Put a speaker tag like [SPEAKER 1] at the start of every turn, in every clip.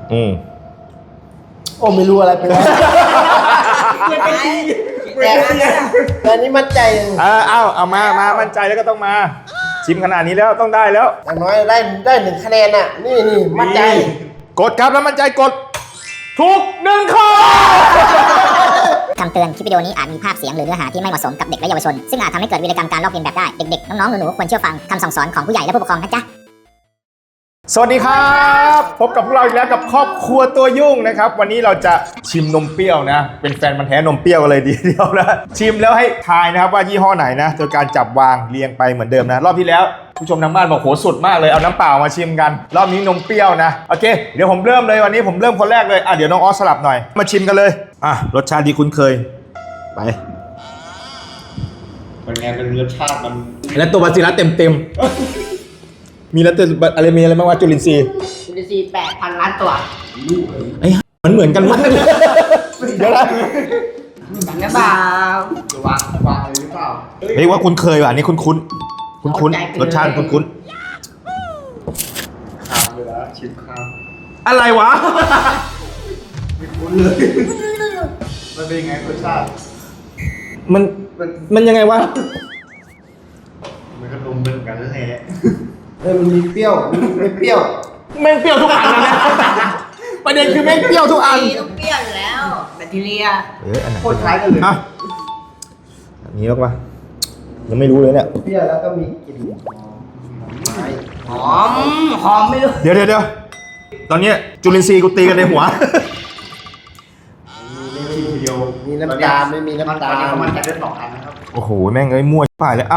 [SPEAKER 1] โอ้ไม่รู้อะไรไปแล้วแต่นี้มั่นใจ
[SPEAKER 2] เอามามั่นใจแล้วก็ต้องมาชิมขนาดนี้แล้วต้องได้แล้ว
[SPEAKER 1] อย่างน้อยได้1 คะแนนน่ะนี่มั่นใจ
[SPEAKER 2] กดครับแล้วมั่นใจกดถูก1 ข้อ
[SPEAKER 3] คำเตือนคลิปวิดีโอนี้อาจมีภาพเสียงหรือเนื้อหาที่ไม่เหมาะสมกับเด็กและเยาวชนซึ่งอาจทำให้เกิดวีรกรรมการลอกเลียนแบบได้เด็กๆน้องๆหนูๆควรเชื่อฟังคำสั่งสอนของผู้ใหญ่และผู้ปกครองนะจ๊ะ
[SPEAKER 2] สวัสดีครับพบกับพวกเราอีกแล้วกับครอบครัวตัวยุ่งนะครับวันนี้เราจะชิมนมเปรี้ยวนะเป็นแฟนมันแท้นมเปรี้ยวกันเลยดีเดียวนะชิมแล้วให้ทายนะครับว่ายี่ห้อไหนนะโดยการจับวางเรียงไปเหมือนเดิมนะรอบที่แล้วผู้ชมทางบ้านบอกโหสุดมากเลยเอาน้ำเปล่ามาชิมกันรอบนี้นมเปรี้ยวนะโอเคเดี๋ยวผมเริ่มเลยวันนี้ผมเริ่มคนแรกเลยเดี๋ยวน้องออสสลับหน่อยมาชิมกันเลยรสชาติดีคุ้นเคยไป
[SPEAKER 4] เป็นไงเป็นรสชาติมัน
[SPEAKER 2] แล้วตัวบาซิลัสเต็มมีแล้วตัวอะไรมีอะไรบ้างวะจุลินทรีย์
[SPEAKER 1] 8,000 ล้านตัว
[SPEAKER 2] ไอ้มันเหมือนกันมากเดี๋ยวนะ
[SPEAKER 1] กันนะเปล่า
[SPEAKER 4] จะวางเลยหรือเปล่า
[SPEAKER 2] เฮ้ยว่าคุ้นเคยว่ะนี่คุ้นรสชาติคุ้น
[SPEAKER 4] ข้ามเลยนะชิมข้าม
[SPEAKER 2] อะไรวะ
[SPEAKER 4] ไม่คุ้นเลยมันเป็นไงรสชาติ
[SPEAKER 2] มันยังไงวะ
[SPEAKER 4] มันก็นมเหมือนกันแท้
[SPEAKER 1] มันมีเปรี้ยวไม่เปรี้ยว
[SPEAKER 2] แม่งเปรี้ยวทุกอันนะประเด็นคือแม่งเปรี้ยวทุกอัน
[SPEAKER 1] ต้องเปรี้ยวอยู่แล้วแบคทีเรีย
[SPEAKER 2] อันไหน
[SPEAKER 4] โคตรคล้ายกันเลย
[SPEAKER 2] อันนี้หรอวะยังไม่รู้เลยเนี่ย
[SPEAKER 1] เปรี้ยวแล้วก็มีกลิ่นหอมไม่รู้
[SPEAKER 2] เดี๋ยวตอนนี้จุลินทรีย์กูตีกันในหัว
[SPEAKER 1] มีน้ำตาลไม่มีน้ำตาล
[SPEAKER 4] มันจะได้2 อันนะครับ
[SPEAKER 2] โอ้โหแม่งมั่วป่ายเลย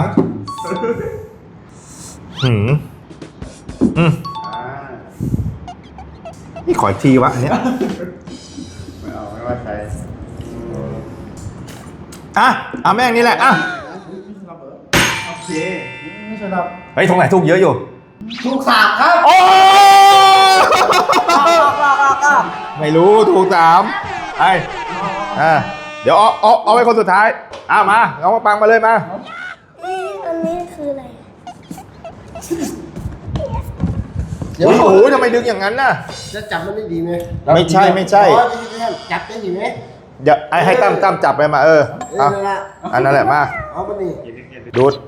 [SPEAKER 2] นี่ขออีกทีวะอันเนี้ย
[SPEAKER 4] ไม่ว่าใคร
[SPEAKER 2] แม่งนี่แหละ
[SPEAKER 4] โอเค
[SPEAKER 2] เฮ้ยตรงไหนถูกเยอะอยู่
[SPEAKER 1] ถูก3ครับ
[SPEAKER 2] โอ้ไม่รู้ถูก3เดี๋ยวเอาไว้คนสุดท้ายมาเอามาปังมาเลยมา
[SPEAKER 5] อันนี้คืออะไร
[SPEAKER 2] โอ้โหทำไมดึงอย่างนั้นน่ะ
[SPEAKER 1] จะจับมันได้ดีไหม
[SPEAKER 2] ไม่ใช่
[SPEAKER 1] จับได้ดีไหม
[SPEAKER 2] เดี๋ยวให้ตั้มจับไปมาอันนั้นแหละมา
[SPEAKER 1] เอาไปนี่
[SPEAKER 2] ดูด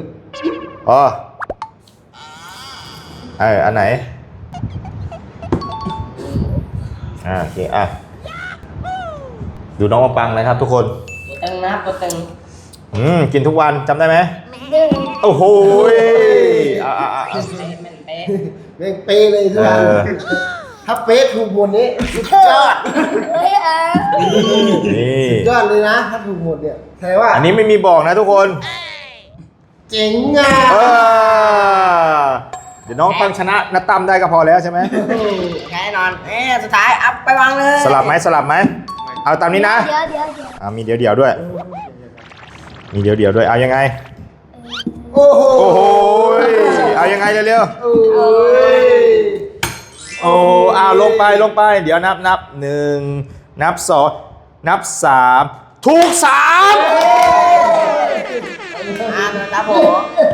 [SPEAKER 2] อันไหนโอเคดูน้องมาปังนะครับทุกคน
[SPEAKER 1] ตึงนะตึง
[SPEAKER 2] กินทุกวันจำได้ไหมโอ้โห
[SPEAKER 1] เป๊ะเลยทุกวันถ้าเป๊ะถูกหมดนี้สุดยอด
[SPEAKER 2] นี่
[SPEAKER 1] ยอดเลยนะถ้าถูกหมดเนี่ยแสดงว่า
[SPEAKER 2] อันนี้ไม่มีบอกนะทุกคน
[SPEAKER 1] เจ๋งอ่ะ
[SPEAKER 2] เดี๋ยวน้องปังชนะนัดตั้มได้ก็พอแล้วใช่ไหม
[SPEAKER 1] แน่นอนสุดท้ายอัพไปวางเลย
[SPEAKER 2] สลับไหมเอาตามนี้นะมีเดี๋ยวด้วยมีเดี๋ยวด้วยเอายังไง
[SPEAKER 1] โอ้โห
[SPEAKER 2] เอายังไงเร็วลงไปเดี๋ยวนับ1นับ2นับ3ถูก3
[SPEAKER 1] ครับผม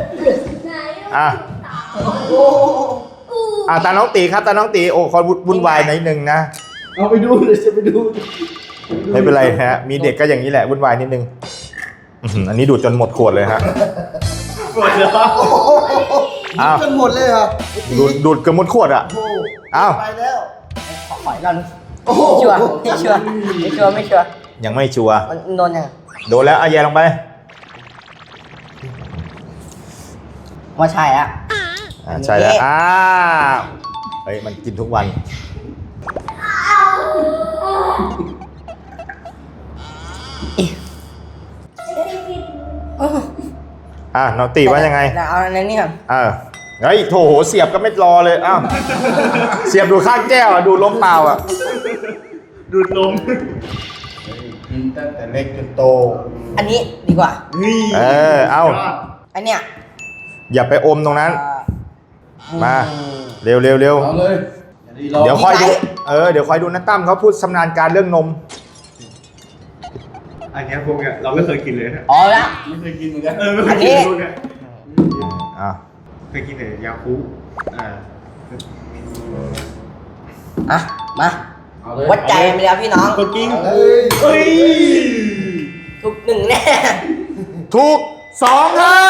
[SPEAKER 2] ตาน้องตีครับตาน้องตีคอยวุ่นวายนิดนึงนะ
[SPEAKER 1] เอาไปดูเลยจะไปดู
[SPEAKER 2] ไม่เป็นไรฮะมีเด็กก็อย่างนี้แหละวุ่นวายนิดนึงอันนี้ดูดจนหมดขวดเลยฮะ
[SPEAKER 4] หมดเลย
[SPEAKER 1] จนหมดเลยเหรอ
[SPEAKER 2] ดูดเกือบหมดขวด
[SPEAKER 1] ไปแล้วขอกันไม่ชัวร์
[SPEAKER 2] ยังไม่ชัวร์
[SPEAKER 1] โดนยัง
[SPEAKER 2] โดนแล้วแย่ลงไป
[SPEAKER 1] ว่าใช่
[SPEAKER 2] ใช่แล้วเฮ้ยมันกินทุกวันน้องตีว่ายังไง
[SPEAKER 1] เอาอันนี้ก่อน
[SPEAKER 2] เฮ้ยโถเสียบก็ไม่รอเลยเสียบดูข้างแก้วดูล้มเปล่า
[SPEAKER 4] ดูดนม
[SPEAKER 1] กินตั้งแต่เล็กจนโตอันนี้ดีกว่า
[SPEAKER 2] เอา
[SPEAKER 1] อันเนี้ย
[SPEAKER 2] อย่าไปอมตรงนั้นมาเร็ว
[SPEAKER 4] เอาเลย
[SPEAKER 2] เดี๋ยวคอยดูเดี๋ยวคอยดูนะตั้มเขาพูดชำนาญการเรื่องนม
[SPEAKER 4] อันนี้พวกเนี่ยเราไม่เคยกินเลยนะ
[SPEAKER 1] แล้ว
[SPEAKER 4] ไม่เคยกินเหมือนกัน
[SPEAKER 1] ไม่เคยกินพวกเนี่ย
[SPEAKER 4] เคยกินแต่ยาคู
[SPEAKER 6] มา วัดใจกันไปแล้วพี่น้อง
[SPEAKER 4] กดกิ้ง
[SPEAKER 1] เฮ้ย
[SPEAKER 4] เฮ้ย
[SPEAKER 6] ทุกหนึ่งแน่
[SPEAKER 2] ถูก2ครับ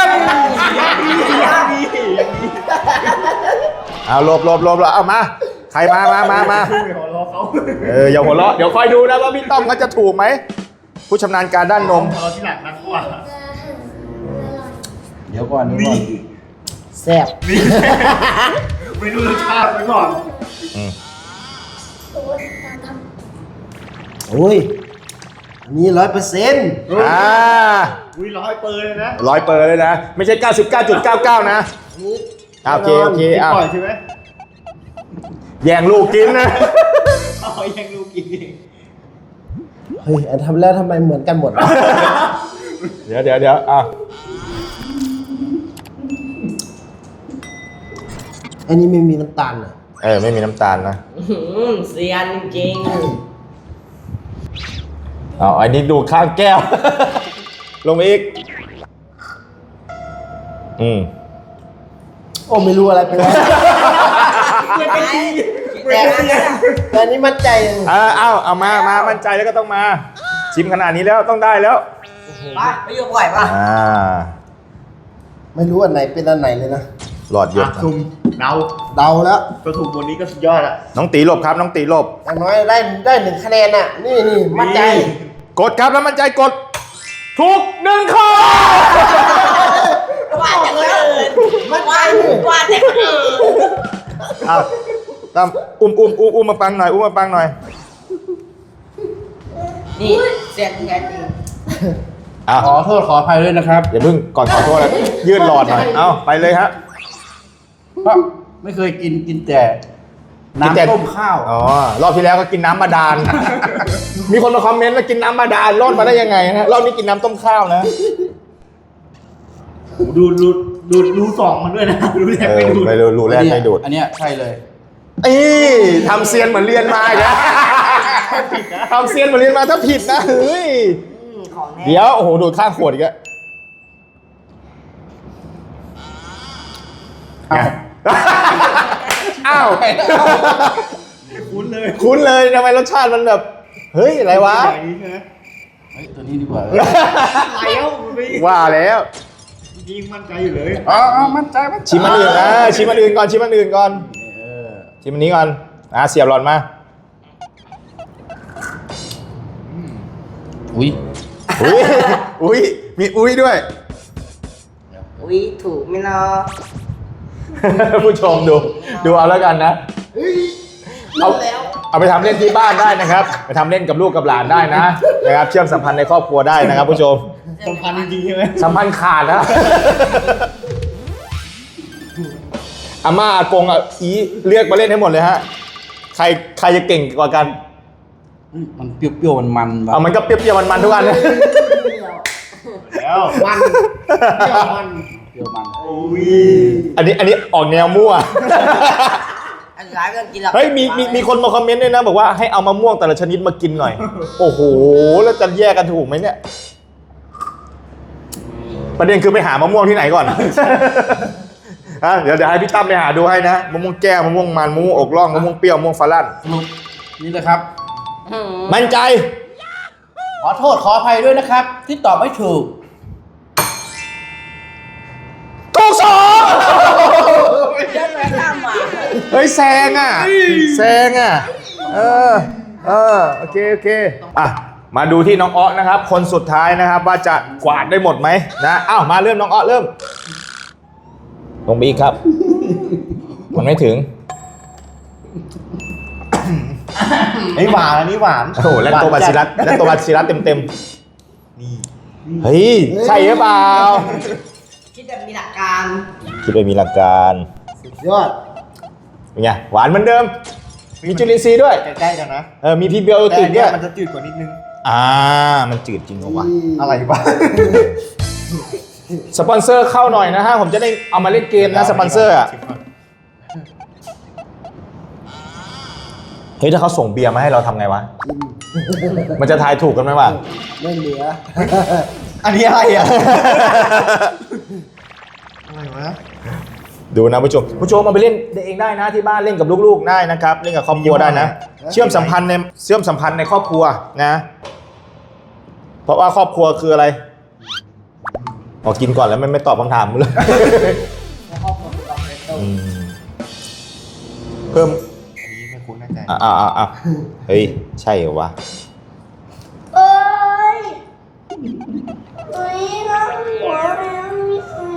[SPEAKER 2] เอาหลบเอามา ใครมา
[SPEAKER 4] ไม่หัวเราะเขา
[SPEAKER 2] อย่าหัวเราะเดี๋ยวคอยดูนะว่าพี่ต้อมเขาจะถูกไหม ผู้ชำนาญการด้านนม
[SPEAKER 4] เราที่หลังนักกว่า
[SPEAKER 1] เดี๋ยวก่อนแซ่บ
[SPEAKER 4] ไม่รู้รสชาติไปก่อน
[SPEAKER 1] โอ้ยอันนี้100%
[SPEAKER 2] อ่า
[SPEAKER 4] อุ้ย100%เลยนะ
[SPEAKER 2] 100%เลยนะ ไม่ใช่ 99.99 นะ โอเค
[SPEAKER 4] ที่
[SPEAKER 2] อ่ะ
[SPEAKER 4] ปล่อยใช่ไหม
[SPEAKER 2] แย่งลูกกินนะ
[SPEAKER 4] เอายังลูกกินเอง
[SPEAKER 1] เฮ้ยอันทำแล้วทำไมเหมือนกันหมดวะ
[SPEAKER 2] เดี๋ยวอ่ะ
[SPEAKER 1] อันนี้ไม่มีน้ำตาลเหรอ
[SPEAKER 2] ไม่มีน้ำตาลนะ
[SPEAKER 6] เซียนจริง
[SPEAKER 2] เอาอันนี้ดูข้างแก้ว ลงไปอีก
[SPEAKER 1] โอ้ไม่รู้อะไรไปแล้ว
[SPEAKER 6] ๆแต่
[SPEAKER 1] แต่อันนี้มั่นใจเลย
[SPEAKER 2] เอามามั่นใจแล้วก็ต้องมา ชิมขนาดนี้แล้วต้องได้แล้ว
[SPEAKER 6] ไปอยู่บ่อยป่ะ
[SPEAKER 1] ไม่รู้อันไหนเป็นอันไหนเลยนะ
[SPEAKER 2] หลอดเยอะ
[SPEAKER 4] ซุ่มเดา
[SPEAKER 1] เดาแล้ว
[SPEAKER 4] ตัวถูกบนนี้ก็สุดยอดละ
[SPEAKER 2] น้องตีหลบครับ น้องตีหลบ
[SPEAKER 1] อย่างน้อยได้1 คะแนนน่ะ นี่มั่นใจ
[SPEAKER 2] กดครับแล้วมั่นใจกด ถูก1 ข้อ
[SPEAKER 6] ว่าจะเกิน
[SPEAKER 1] มั่นใจ
[SPEAKER 6] ว่าจะเกิน
[SPEAKER 2] ตามอุ้มมาปังหน่อยมาปังหน่อย
[SPEAKER 6] นี่เซียนจริง
[SPEAKER 2] ขอโทษขออภัยด้วยนะครับอย่าเพิ่งก่อนขอโทษนะยืดหลอดหน่อยเอาไปเลยฮะ
[SPEAKER 7] ไม่เคยกินแต่
[SPEAKER 2] กินแต่
[SPEAKER 7] น้ำต้มข้าว
[SPEAKER 2] รอบที่แล้วก็กินน้ำบาดาล มีคนมาคอมเมนต์ว่ากินน้ำบาดาลรอดมาได้ยังไงนะรอบนี้กินน้ำต้มข้าวนะ
[SPEAKER 4] ดูสองมันด้วยนะดูแรกไม่ดู
[SPEAKER 2] ไม่รู้แรกไม่ดูด
[SPEAKER 7] อันเนี้ยใช่เลย
[SPEAKER 2] ทำเซียนเหมือนเรียนมาอีกแล้วทำเซียนเหมือนเรียนมาถ้าผิดนะเฮ้ย
[SPEAKER 6] ของแน่
[SPEAKER 2] เดี๋ยวโอ้โหดูดข้างขวดอีกแล้วอ้าว
[SPEAKER 4] คุ้นเลย
[SPEAKER 2] คุ้นเลยทำไมรสชาติมันแบบ เฮ้ย อะไรวะ
[SPEAKER 4] อย่างนี้ใช่ไหม
[SPEAKER 7] เฮ้ย ตัวนี้ดีกว่า
[SPEAKER 4] แล้วมันไม่
[SPEAKER 2] ว่าแล้ว
[SPEAKER 4] ยิงมั่นใจอยู่เลย
[SPEAKER 7] มั่นใจ
[SPEAKER 2] ชิมอันอื่นชิมอันอื่นก่อนชิมอันอื่นก่อนชิมอันนี้ก่อนเสียบหลอดมา
[SPEAKER 7] อุ้ย
[SPEAKER 2] อุ้ยมีอุ้ยด้วย
[SPEAKER 6] อุ้ยถูกไหมเนาะ
[SPEAKER 2] ผู้ชมดูเอาแล้วกันนะเอาไปทำเล่นที่บ้านได้นะครับ ไปทำเล่นกับลูกกับหลานได้นะครับเชื่อมสัมพันธ์ในครอบครัวได้นะครับผู้ชม
[SPEAKER 4] สำคัญจริงๆใช่ไหม
[SPEAKER 2] สัมพันธ์ขาดนะอาม่าอากงอีเรียกมาเล่นให้หมดเลยฮะใครจะเก่งกว่ากัน
[SPEAKER 7] มันเปรี้ยวๆมันๆแบบ
[SPEAKER 2] มันก็เปรี้ยวๆมันๆทุกอันเลย
[SPEAKER 4] แล้วมันเที่ยวมัน
[SPEAKER 7] เปรี้ยวมัน
[SPEAKER 4] อุ้ย
[SPEAKER 2] อันนี้ออกแนวมั่ว
[SPEAKER 6] อันร้ายไม่ต้องกินหรอก
[SPEAKER 2] เฮ้ยมีคนมาคอมเมนต์ด้วยนะบอกว่าให้เอามะม่วงแต่ละชนิดมากินหน่อย โอ้โหแล้วจะแยกกันถูกไหมเนี่ย ประเด็นคือไปหามะม่วงที่ไหนก่อน เดี๋ยวให้พี่ตั้มไปหาดูให้นะมะม่วงแก้วมะม่วงมันมะม่วงอกร่องมะม่วงเปรี้ยวมะม่วงฝรั่ง
[SPEAKER 7] สรุปนี่นะครับ
[SPEAKER 2] มั่นใจ
[SPEAKER 7] ขอโทษขออภัยด้วยนะครับ ที่ตอบไม่ถูก
[SPEAKER 2] ถูกสอง
[SPEAKER 6] เดินไปข้ามมา
[SPEAKER 2] เฮ้ยแซงอ่ะโอเคอ่ะมาดูที่น้องอ้อนะครับ คนสุดท้ายนะครับว่าจะกวาดได้หมดไหมนะอ้าวมาเริ่มน้องอ้อเริ่มลงไปอีกครับ มันไม่ถึง
[SPEAKER 4] ไอ้หวานอันนี้หวาน
[SPEAKER 2] โอ้โหแล้วตัวบาซิลัสเต็มนี่เฮ้ยใช่หรือเปล่า
[SPEAKER 6] คิดแบบมีหลักการ
[SPEAKER 2] คิดว่ามีหลักการ
[SPEAKER 1] ยอด
[SPEAKER 2] เป็นไงหวานเหมือนเดิม มีจุลินทรีย์ด้วย
[SPEAKER 4] ใกล้ๆกันนะ
[SPEAKER 2] มีพรีไบโอ
[SPEAKER 4] แต่
[SPEAKER 2] ติ
[SPEAKER 4] อั
[SPEAKER 2] ก
[SPEAKER 4] นเนี้
[SPEAKER 2] ด้
[SPEAKER 4] ย
[SPEAKER 2] วย
[SPEAKER 4] มันจะจืดกว่านิดนึง
[SPEAKER 2] มันจืดจริงเหรอวะ
[SPEAKER 4] อะไรวะ
[SPEAKER 2] สปอนเซอร์เข้าหน่อยนะฮะผมจะได้เอามาเล่นเกมนะสปอนเซอร์อะเฮ้ยถ้าเขาส่งเบียร์มาให้เราทำไงวะ มันจะทายถูกกันไหมวะ
[SPEAKER 1] ไม่เหลือ
[SPEAKER 4] อันนี้อะไรอ่ะ อะไรวะ
[SPEAKER 2] ดูนะผู้ชมเอาไปเล่นเองได้นะที่บ้านเล่นกับลูกๆได้นะครับเล่นกับครอบครัวได้นะเชื่อมสัมพันธ์ในครอบครัวนะเพราะว่าครอบครัวคืออะไรกินก่อนแล้วไม่ตอบคำถามเลยเพิ่ม
[SPEAKER 4] อันนี้ไม่คุ้นแน่ใจ
[SPEAKER 2] เฮ้ยใช่เหรอวะ
[SPEAKER 5] เอ้ยเอ้ยน้องหัวแล้วมี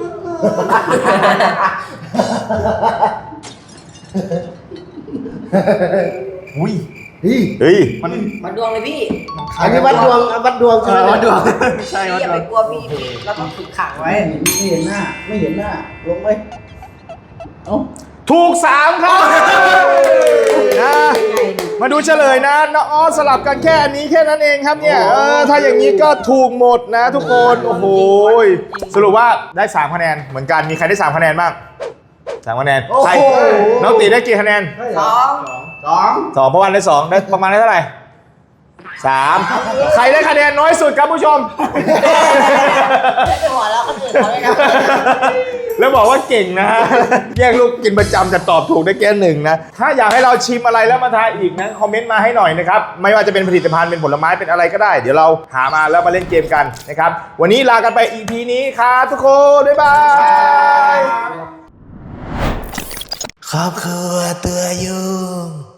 [SPEAKER 2] อุ้ย
[SPEAKER 1] นี่
[SPEAKER 2] เฮ้ย
[SPEAKER 6] มาดวงเลยพี่
[SPEAKER 1] อันนี้วัดดวงใช่ไหม
[SPEAKER 4] วัดดวงใช่
[SPEAKER 6] พี่
[SPEAKER 4] วัด
[SPEAKER 6] อย่า
[SPEAKER 4] ดว
[SPEAKER 6] ไป
[SPEAKER 4] ง
[SPEAKER 6] กลัวพี่เราต้องฝึกขังไว้
[SPEAKER 7] ไม่เห็นหน้า ไม่เห็นหน้า ลงไปเอ้า
[SPEAKER 2] ถูก3ครับนะมาดูเฉลยนะน้องอ้อสลับกันแค่อันนี้แค่นั้นเองครับเนี่ยถ้าอย่างนี้ก็ถูกหมดนะทุกคนโอ้โหสรุปว่าได้3คะแนนเหมือนกันมีใครได้3คะแนนบ้าง3คะแนนใครน้องตีได้กี่คะแนน 2เพราะวันได้2ได้ประมาณได้เท่าไหร่3ใครได้คะแนนน้อยสุดครับผู้ชม
[SPEAKER 6] แล้วจะหัวเราะคนอื่นเขาเลยนะ
[SPEAKER 2] แล้วบอกว่าเก่งนะ แย่งลูกกินประจำแต่ตอบถูกได้แค่1นะถ้าอยากให้เราชิมอะไรแล้วมาทายอีกนะคอมเมนต์มาให้หน่อยนะครับไม่ว่าจะเป็นผลิตภัณฑ์เป็นผลไม้เป็นอะไรก็ได้ เดี๋ยวเราหามาแล้วมาเล่นเกมกันนะครับวันนี้ลากันไป EP นี้ครับทุกคนบ๊ายบาย
[SPEAKER 1] ครอบครัวตัวยุ่ง